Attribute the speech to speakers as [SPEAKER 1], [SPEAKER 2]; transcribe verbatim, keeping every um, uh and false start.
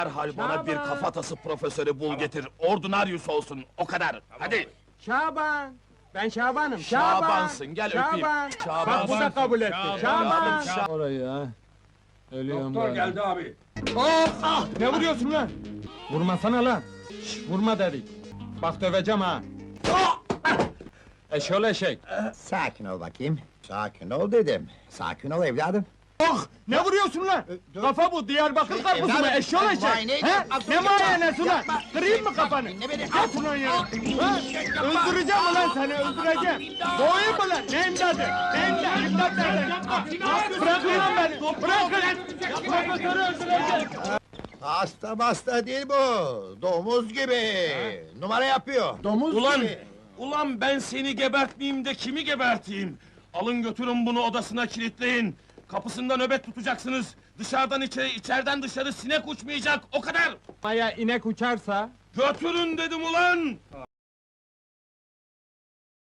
[SPEAKER 1] Derhal bana bir
[SPEAKER 2] Şaban!
[SPEAKER 1] kafatası profesörü bul getir. Ordinaryus olsun, o kadar. Hadi.
[SPEAKER 2] Şaban! Ben Şaban'ım, Şaban!
[SPEAKER 1] Şabansın, gel öpeyim.
[SPEAKER 2] Şaban!
[SPEAKER 1] Şaban.
[SPEAKER 2] Bak bu da kabul etti, Şaban!
[SPEAKER 3] Orayı ha. Ölüyorum
[SPEAKER 4] Doktor
[SPEAKER 3] ben.
[SPEAKER 4] geldi abi.
[SPEAKER 2] Oh! Ah! Ne vuruyorsun lan? Vurmasana lan! Şş, vurma dedik! Bak döveceğim ha! Eşol eşek!
[SPEAKER 5] Sakin ol bakayım. Sakin ol dedim. Sakin ol evladım.
[SPEAKER 2] Oh! Ne vuruyorsun lan?
[SPEAKER 5] dur.
[SPEAKER 2] Kafa bu, Diyarbakır karpuzu mu?
[SPEAKER 5] evladım,
[SPEAKER 2] Eşol
[SPEAKER 5] ben
[SPEAKER 2] eşek!
[SPEAKER 5] muayene
[SPEAKER 2] He?
[SPEAKER 5] edeceğim.
[SPEAKER 2] Ne
[SPEAKER 5] Yapma,
[SPEAKER 2] muayenesi lan?
[SPEAKER 5] yapma.
[SPEAKER 2] Kırayım mı kafanı?
[SPEAKER 5] Dinle beni.
[SPEAKER 2] Yat ulan ya! Ha? Öldüreceğim ulan seni, öldüreceğim! Boğayım mı lan? Ne imdadı? Ne imdadı? İmdat nereden? Bırakın lan beni! Bırakın! Profesörü öldüreceğim!
[SPEAKER 5] Hasta hasta değil bu. Domuz gibi. Numara yapıyor. Domuz
[SPEAKER 1] Ulan,
[SPEAKER 5] gibi.
[SPEAKER 1] ulan ben seni gebertmeyeyim de kimi geberteyim? Alın götürün bunu odasına kilitleyin. Kapısında nöbet tutacaksınız. Dışarıdan içeri, içeriden dışarı sinek uçmayacak, o kadar!
[SPEAKER 2] Maya inek uçarsa...
[SPEAKER 1] Götürün dedim ulan!